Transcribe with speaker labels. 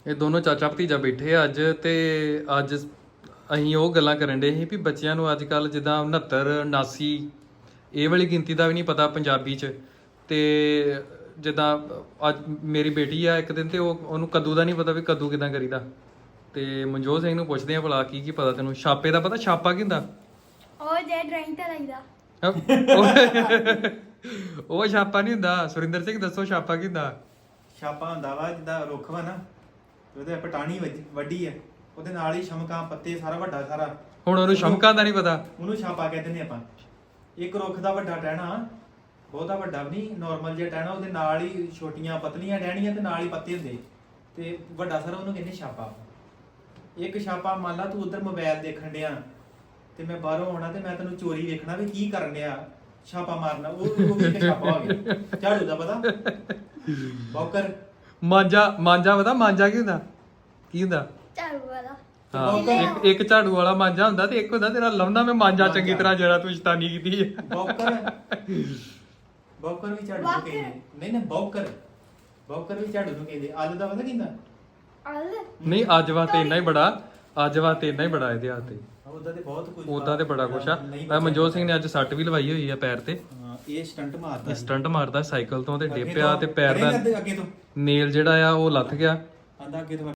Speaker 1: ਇਹ ਦੋਨੋਂ ਚਾਚਾ ਭਤੀਜਾ ਬੈਠੇ ਆ ਅੱਜ ਤੇ ਅੱਜ ਅਸੀਂ ਉਹ ਗੱਲਾਂ ਕਰਨ ਡੇ ਸੀ ਵੀ ਬੱਚਿਆਂ ਨੂੰ ਅੱਜ ਕੱਲ ਜਿੱਦਾਂ 69 79 ਇਹ ਵਾਲੀ ਗਿਣਤੀ ਦਾ ਵੀ ਨਹੀਂ ਪਤਾ ਪੰਜਾਬੀ 'ਚ ਤੇ ਜਿੱਦਾਂ ਅੱਜ ਮੇਰੀ ਬੇਟੀ ਆ ਇੱਕ ਦਿਨ ਤੇ ਉਹਨੂੰ ਕੱਦੂ ਦਾ ਨਹੀਂ ਪਤਾ ਵੀ ਕੱਦੂ ਕਿਦਾਂ ਕਰੀਦਾ ਤੇ ਮਨਜੋਤ ਸਿੰਘ ਨੂੰ ਪੁੱਛਦੇ ਆ ਭਲਾ ਕੀ ਪਤਾ ਤੈਨੂੰ ਛਾਪੇ ਦਾ ਪਤਾ ਛਾਪਾ ਕੀ ਹੁੰਦਾ
Speaker 2: ਉਹ ਜੇ ਡਰਾਇੰਗ ਤੇ ਲਾਈਦਾ
Speaker 1: ਉਹ ਛਾਪਾ ਨਹੀਂ ਹੁੰਦਾ ਸੁਰਿੰਦਰ ਸਿੰਘ ਦੱਸੋ ਛਾਪਾ ਕੀ ਹੁੰਦਾ
Speaker 3: ਛਾਪਾ ਹੁੰਦਾ ਵਾ ਜਿੱਦਾਂ ਰੁੱਖ ਵਾ ਨਾ ਉਹਦੇ ਪਟਾਣੀ ਵੱਡੀ ਆ ਉਹਦੇ ਨਾਲ ਹੀ ਸ਼ਮਕਾਂ ਪੱਤੇ ਸਾਰਾ ਵੱਡਾ ਸਾਰਾ
Speaker 1: ਹੁਣ ਉਹਨੂੰ ਸ਼ਮਕਾਂ ਦਾ ਨਹੀਂ ਪਤਾ
Speaker 3: ਉਹਨੂੰ ਛਾਪਾ ਕਹਿ ਦਿੰਦੇ ਆਪਾਂ ਇੱਕ ਰੁੱਖ ਦਾ ਵੱਡਾ ਟਹਿਣਾ ਬਹੁਤਾ ਵੱਡਾ ਵੀ ਨਹੀਂ ਨਾਰਮਲ ਜਿਹਾ ਟਹਿਣਾ ਉਹਦੇ ਨਾਲ ਹੀ ਛੋਟੀਆਂ ਪਤਲੀਆਂ ਟਹਿਣੀਆਂ ਤੇ ਨਾਲ ਹੀ ਪੱਤੇ ਹੁੰਦੇ ਤੇ ਵੱਡਾ ਸਾਰਾ ਉਹਨੂੰ ਕਹਿੰਦੇ ਛਾਪਾ ਇੱਕ ਛਾਪਾ ਮੰਨ ਲਾ ਤੂੰ ਉਧਰ ਮੋਬਾਈਲ ਦੇਖਣ ਡਿਆ ਤੇ ਮੈਂ ਬਾਹਰੋਂ ਆਉਣਾ ਤੇ ਮੈਂ ਤੈਨੂੰ ਚੋਰੀ ਵੇਖਣਾ ਵੀ ਕੀ ਕਰਨ ਡਿਆ ਛਾਪਾ ਮਾਰਨਾ ਉਹ ਵੀ ਇੱਕ ਛਾਪਾ ਹੋ ਗਿਆ ਝਾੜੂ ਦਾ ਪਤਾ ਬੌਕਰ
Speaker 1: ਮਾਂਜਾ ਪਤਾ ਮਾਂਜਾ ਕੀ ਹੁੰਦਾ
Speaker 2: ਝਾੜੂ ਵਾਲਾ
Speaker 1: ਹਾਂ ਇੱਕ ਝਾੜੂ ਵਾਲਾ ਮਾਂਜਾ ਹੁੰਦਾ ਤੇ ਇੱਕ ਹੁੰਦਾ ਤੇਰਾ ਲਾਉਂਦਾ ਮੈਂ ਮਾਂਜਾ ਚੰਗੀ ਤਰ੍ਹਾਂ ਜਿਹੜਾ ਤੂੰ ਸ਼ੈਤਾਨੀ ਕੀਤੀ ਹੈ
Speaker 3: ਬੌਕਰ ਵੀ ਝਾੜੂ ਨੂੰ ਕਹਿੰਦੇ ਨਹੀਂ ਬੌਕਰ ਵੀ ਝਾੜੂ ਨੂੰ ਕਹਿੰਦੇ ਆਲੂ ਦਾ ਪਤਾ ਕਿੰਦਾ
Speaker 2: ਅਲ
Speaker 1: ਨਹੀਂ ਅੱਜ ਵਾਸਤੇ ਇੰਨਾ ਹੀ ਬੜਾ ਇਹਦੇ ਹੱਥ ਤੇ
Speaker 3: ਉਹਦਾ ਤੇ ਬਹੁਤ ਕੁਝ
Speaker 1: ਉਹਦਾ ਤੇ ਬੜਾ ਕੁਛ ਆ ਮਨਜੋਤ ਸਿੰਘ ਨੇ ਅੱਜ ਸੱਟ ਵੀ ਲਵਾਈ ਹੋਈ ਆ ਪੈਰ ਤੇ
Speaker 3: ਇਹ
Speaker 1: ਸਟੰਟ ਮਾਰਦਾ ਸਾਈਕਲ ਤੋਂ ਤੇ ਡਿੱਪਿਆ ਤੇ ਪੈਰ ਦਾ
Speaker 3: ਅੱਗੇ ਤੋਂ
Speaker 1: ਨੇਲ ਜਿਹੜਾ ਆ ਉਹ ਲੱਥ ਗਿਆ
Speaker 3: ਆਂਦਾ ਅੱਗੇ ਤੋਂ